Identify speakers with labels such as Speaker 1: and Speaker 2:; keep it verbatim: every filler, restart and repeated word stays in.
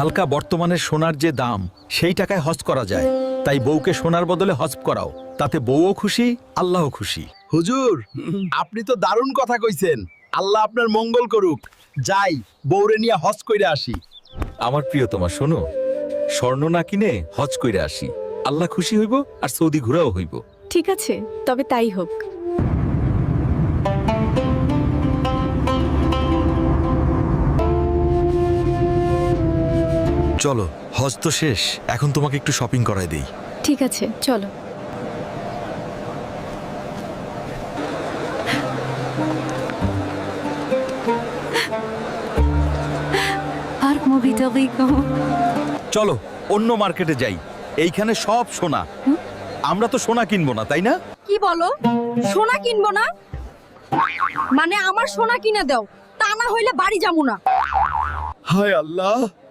Speaker 1: হালকা বর্তমানের সোনার যে দাম সেই টাকায় হজ করা যায়, তাই বউকে সোনার বদলে হজ করাও, তাতে বউও খুশি, আল্লাহও খুশি।
Speaker 2: হুজুর, আপনি তো দারুণ কথা কইছেন। আল্লাহ আপনার মঙ্গল করুক। যাই, বউরে নিয়ে হজ কইরা আসি।
Speaker 1: আমার প্রিয়তমা শোনো, স্বর্ণ না কিনে হজ কইরা আসি, আল্লাহ খুশি হইব আর সৌদি ঘুরাও হইব।
Speaker 3: ঠিক আছে, তবে তাই হোক।
Speaker 4: চলো, হজ তো শেষ, এখন তোমাকে একটু শপিং করায় দেই।
Speaker 3: ঠিক আছে, চলো। আর মুভিটা দেখো।
Speaker 1: চলো অন্য মার্কেটে যাই, এইখানে সব সোনা। আমরা তো সোনা কিনবো না, তাই না?
Speaker 5: কি বলো? সোনা কিনবো না? মানে আমার সোনা কিনে দাও, তা না হইলে বাড়ি যাবো না।
Speaker 2: হায় আল্লাহ,